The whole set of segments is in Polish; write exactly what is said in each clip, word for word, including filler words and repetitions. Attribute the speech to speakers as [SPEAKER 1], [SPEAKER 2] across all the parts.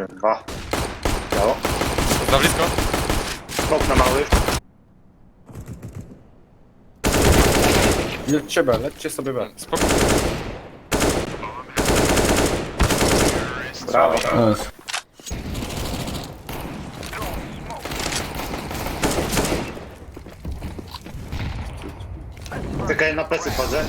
[SPEAKER 1] Jeden, dwa. Biało.
[SPEAKER 2] Za blisko.
[SPEAKER 1] Smok na mały.
[SPEAKER 3] Lećcie B, lećcie sobie B.
[SPEAKER 2] Spoko.
[SPEAKER 1] Brawo.
[SPEAKER 3] Nice.
[SPEAKER 1] Czekaj, na plecy wchodzę.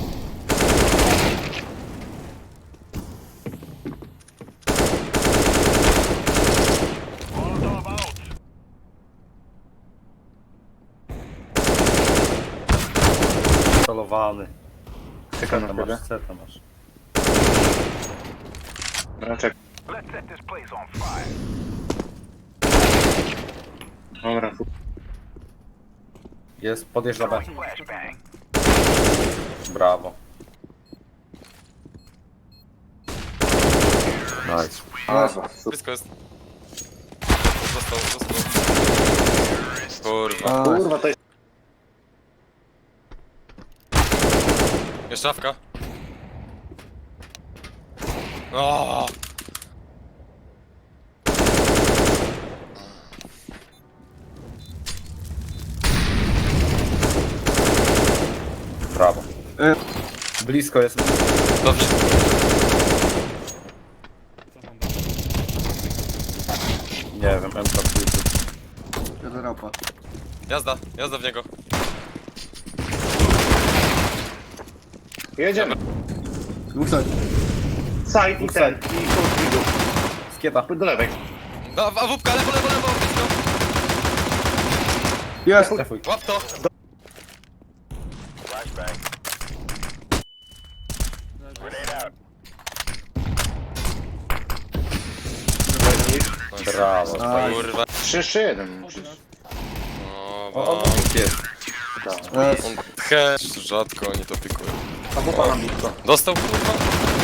[SPEAKER 3] Celowany.
[SPEAKER 1] Czekam
[SPEAKER 3] Seta
[SPEAKER 1] na ciebie.
[SPEAKER 3] masz, seta masz.
[SPEAKER 1] No, czekaj. Dobra, fu-
[SPEAKER 3] Jest, podjeżdża B. Brawo. Nice.
[SPEAKER 1] Dobra, super.
[SPEAKER 2] Blisko jest. Został, został. Kurwa.
[SPEAKER 1] Kurwa, to jest...
[SPEAKER 2] Jeszcze szafka. O!
[SPEAKER 3] Brawo. Blisko jest.
[SPEAKER 2] Dobrze.
[SPEAKER 3] Nie wiem, M K
[SPEAKER 4] Rapa.
[SPEAKER 2] Jazda, jazda w niego.
[SPEAKER 1] Jedziemy.
[SPEAKER 4] Dwóch side.
[SPEAKER 1] Side i
[SPEAKER 3] Dwóch
[SPEAKER 1] ten.
[SPEAKER 3] side.
[SPEAKER 1] I krótki dół.
[SPEAKER 3] Skieta.
[SPEAKER 1] Do lewej.
[SPEAKER 2] No, a wupka, lewo, lewo, lewo, blisko.
[SPEAKER 4] Jest!
[SPEAKER 3] Trefuj.
[SPEAKER 2] Łap to.
[SPEAKER 3] Brawo.
[SPEAKER 2] Kurwa.
[SPEAKER 1] trzy trzy jeden musisz.
[SPEAKER 2] O,
[SPEAKER 3] O, o,
[SPEAKER 2] bo...
[SPEAKER 3] jest.
[SPEAKER 4] Jest.
[SPEAKER 2] On he, rzadko oni to pikują.
[SPEAKER 1] A wupa na blisko.
[SPEAKER 2] Dostał kurwa?